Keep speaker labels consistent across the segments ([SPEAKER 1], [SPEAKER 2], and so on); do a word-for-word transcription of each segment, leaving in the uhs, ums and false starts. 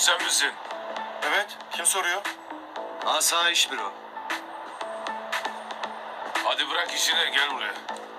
[SPEAKER 1] sen misin?
[SPEAKER 2] Evet, kim soruyor?
[SPEAKER 3] Asayiş büro.
[SPEAKER 1] Hadi bırak işini, gel buraya.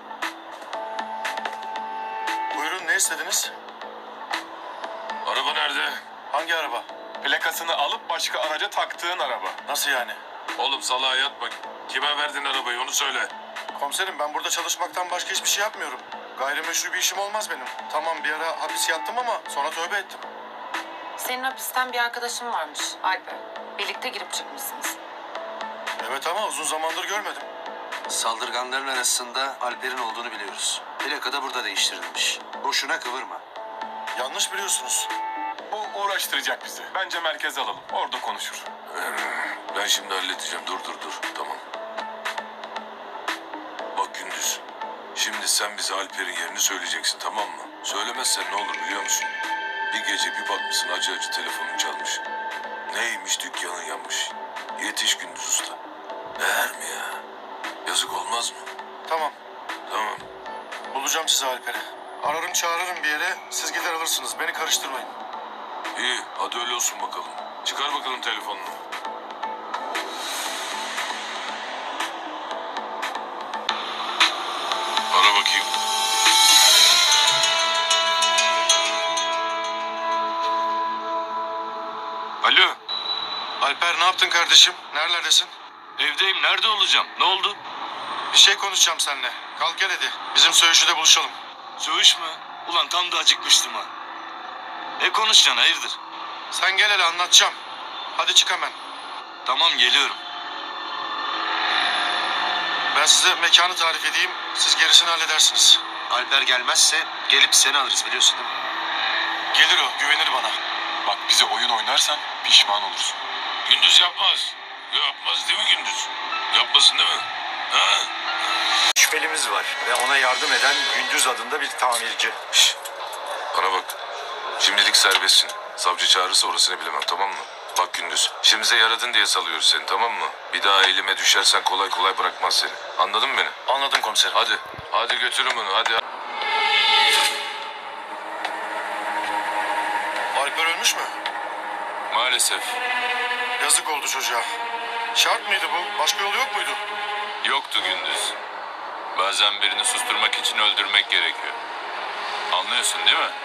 [SPEAKER 2] Buyurun, ne istediniz?
[SPEAKER 1] Araba nerede?
[SPEAKER 2] Hangi araba?
[SPEAKER 4] Plakasını alıp başka araca taktığın araba.
[SPEAKER 2] Nasıl yani?
[SPEAKER 1] Oğlum salağa yatma. Kime verdin arabayı onu söyle.
[SPEAKER 2] Komiserim, ben burada çalışmaktan başka hiçbir şey yapmıyorum. Gayrimeşru bir işim olmaz benim. Tamam, bir ara hapis yattım ama sonra tövbe ettim.
[SPEAKER 5] Senin hapisten bir arkadaşın varmış Alper. Birlikte girip çıkmışsınız.
[SPEAKER 2] Evet ama uzun zamandır görmedim.
[SPEAKER 3] Saldırganların arasında Alper'in olduğunu biliyoruz. Plaka da burada değiştirilmiş. Boşuna kıvırma.
[SPEAKER 2] Yanlış biliyorsunuz.
[SPEAKER 4] Bu uğraştıracak bizi. Bence merkeze alalım. Orada konuşur.
[SPEAKER 1] Ben şimdi halledeceğim. Dur dur dur. Tamam. Bak Gündüz. Şimdi sen bize Alper'in yerini söyleyeceksin, tamam mı? Söylemezsen ne olur biliyor musun? Bir gece bir bakmışsın acı acı telefonun çalmış. Neymiş, dükkanın yanmış. Yetiş Gündüz Usta. Değer mi ya? Yazık olmaz mı?
[SPEAKER 2] Tamam,
[SPEAKER 1] Tamam.
[SPEAKER 2] bulacağım sizi Alper'i. Ararım çağırırım bir yere, siz gider alırsınız. Beni karıştırmayın.
[SPEAKER 1] İyi, hadi öyle olsun bakalım. Çıkar bakalım telefonunu. Ara bakayım.
[SPEAKER 4] Alo.
[SPEAKER 2] Alper, ne yaptın kardeşim? Nerelerdesin?
[SPEAKER 4] Evdeyim. Nerede olacağım? Ne oldu?
[SPEAKER 2] Bir şey konuşacağım seninle. Kalk gel hadi. Bizim söğüşüde buluşalım.
[SPEAKER 4] Söğüş mü? Ulan tam da acıkmıştım ha. Ne konuşacaksın hayırdır?
[SPEAKER 2] Sen gel hele, anlatacağım. Hadi çık hemen.
[SPEAKER 4] Tamam geliyorum.
[SPEAKER 2] Ben size mekanı tarif edeyim. Siz gerisini halledersiniz.
[SPEAKER 3] Alper gelmezse gelip seni alırız biliyorsun değil mi?
[SPEAKER 2] Gelir o, güvenir bana.
[SPEAKER 4] Bak bize oyun oynarsan pişman olursun.
[SPEAKER 1] Gündüz yapmaz. Yapmaz değil mi Gündüz? Yapmasın değil mi? Ha?
[SPEAKER 6] Şüphelimiz var ve ona yardım eden Gündüz adında bir tamirci.
[SPEAKER 1] Şş, bana bak. Şimdilik serbestsin. Savcı çağırırsa orasını bilemem, tamam mı? Bak Gündüz, işimize yaradın diye salıyoruz seni, tamam mı? Bir daha elime düşersen kolay kolay bırakmaz seni. Anladın mı beni?
[SPEAKER 2] Anladım komiserim.
[SPEAKER 1] Hadi. Hadi götürün bunu hadi.
[SPEAKER 2] Alper ölmüş mü?
[SPEAKER 1] Maalesef.
[SPEAKER 2] Yazık oldu çocuğa. Şart mıydı bu? Başka yolu yok muydu?
[SPEAKER 7] Yoktu Gündüz. Bazen birini susturmak için öldürmek gerekiyor. Anlıyorsun değil mi?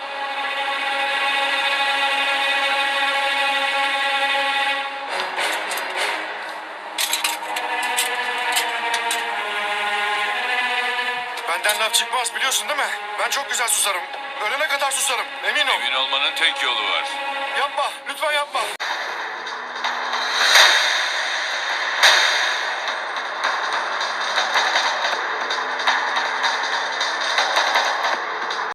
[SPEAKER 2] Benden laf çıkmaz, biliyorsun değil mi? Ben çok güzel susarım. Ölene kadar susarım. Emin ol.
[SPEAKER 7] Emin olmanın tek yolu var.
[SPEAKER 2] Yapma. Lütfen yapma.